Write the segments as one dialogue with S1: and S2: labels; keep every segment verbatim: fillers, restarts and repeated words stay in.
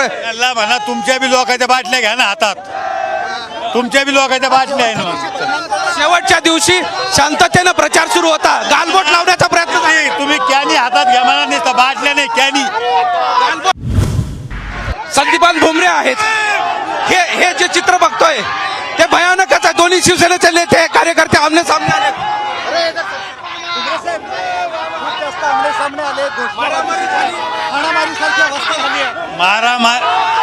S1: त्याला म्हणा तुमच्या बी लोकांच्या बाटल्या घ्या ना हातात, तुमच्या बी लोकांच्या बाटल्या आहे ना.
S2: शेवटच्या दिवशी शांततेनं प्रचार सुरू होता, गालबोट लावण्याचा प्रयत्न झाला.
S1: नाही, तुम्ही कॅनी हातात घ्या म्हणा, नाही बाटल्या नाही कॅनी.
S2: संदीपान भुमरे आहेत. हे हे जे चित्र बघतोय ते भयानकच आहे. दोन्ही शिवसेनेचे नेते कार्यकर्ते आमने सामने आले.
S1: मारा मार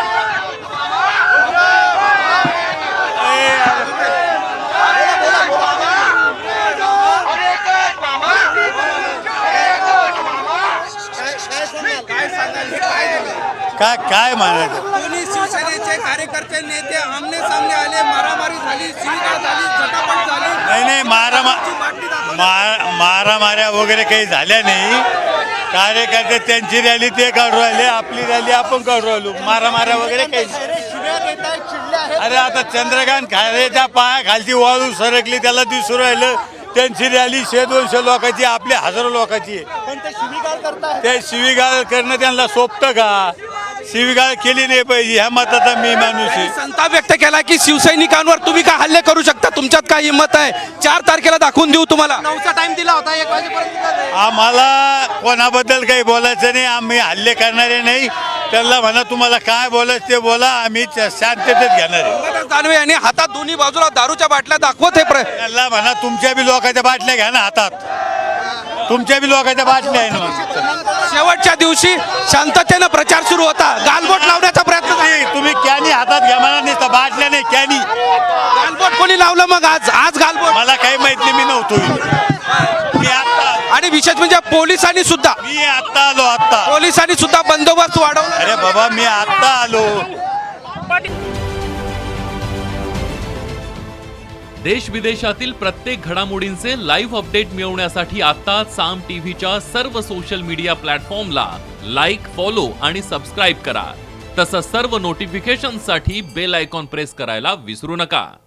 S1: काय काय म्हणायचं.
S2: दोन्ही शिवसेनेचे कार्यकर्ते नेते आमने सामने आले. मारामारी झाली, शिवीगाळ झाली, झटापट झाली.
S1: नाही नाही मारा मा मारामाऱ्या वगैरे काही झाल्या नाही. कार्यकर्ते त्यांची रॅली ते काढू राहिले, आपली रॅली आपण काढू राहिलो. मारामाऱ्या वगैरे काही नाही. अरे आता चंद्रकांत खैरेच्या पायाखालची वाळू सरकली त्याला दिसू राहिलं. त्यांची रॅली शे दोनशे लोकांची, आपली हजारो लोकांची आहे. ते शिवीगाळ करणं त्यांना सोपतं का? शिवीगाळ केली नाही पाहिजे, ह्या मताचा मी माणूस आहे.
S2: संताप व्यक्त केला की शिवसैनिकांवर तुम्ही काय हल्ले करू शकता, तुमच्यात काय हिंमत आहे? चार तारखेला दाखवून देऊ तुम्हाला. नऊचा टाइम दिला होता, एक वाजेपर्यंत.
S1: आम्हाला कोणाबद्दल काही बोलायचं नाही, आम्ही हल्ले करणारे नाही. त्यांना म्हणा तुम्हाला काय बोलायचं ते बोला, आम्ही शांततेत घेणार आहे.
S2: दानवे यांनी हातात दोन्ही बाजूला दारूच्या बाटल्या दाखवत हे.
S1: त्यांना म्हणा तुमच्या बी लोकांच्या बाटल्या घ्या ना हातात, तुमच्या बी लोकांच्या बाटल्या आहे ना.
S2: शेवटच्या दिवशी शांततेनं प्रचार सुरू होता, गालबोट लावण्याचा प्रयत्न झाला.
S1: नाही, तुम्ही कॅनी हातात घ्या म्हणा, नाही बाटल्या नाही कॅनी.
S2: गालबोट कोणी लावलं मग आज? आज गालबोट
S1: मला काही माहित नाही, मी नव्हतो. मी आता
S2: आणि विशेष म्हणजे पोलिसांनी सुद्धा
S1: मी आता आलो आता
S2: पोलिसांनी सुद्धा बंदोबस्त वाढवला.
S1: अरे बाबा मी आता आलो.
S3: देश विदेशातील प्रत्येक घडामोडींचे लाईव्ह अपडेट मिळवण्यासाठी आता साम टीव्हीच्या सर्व सोशल मीडिया प्लॅटफॉर्मला लाईक, फॉलो आणि सबस्क्राईब करा. तसंच सर्व नोटिफिकेशनसाठी बेल आयकॉन प्रेस करायला विसरू नका.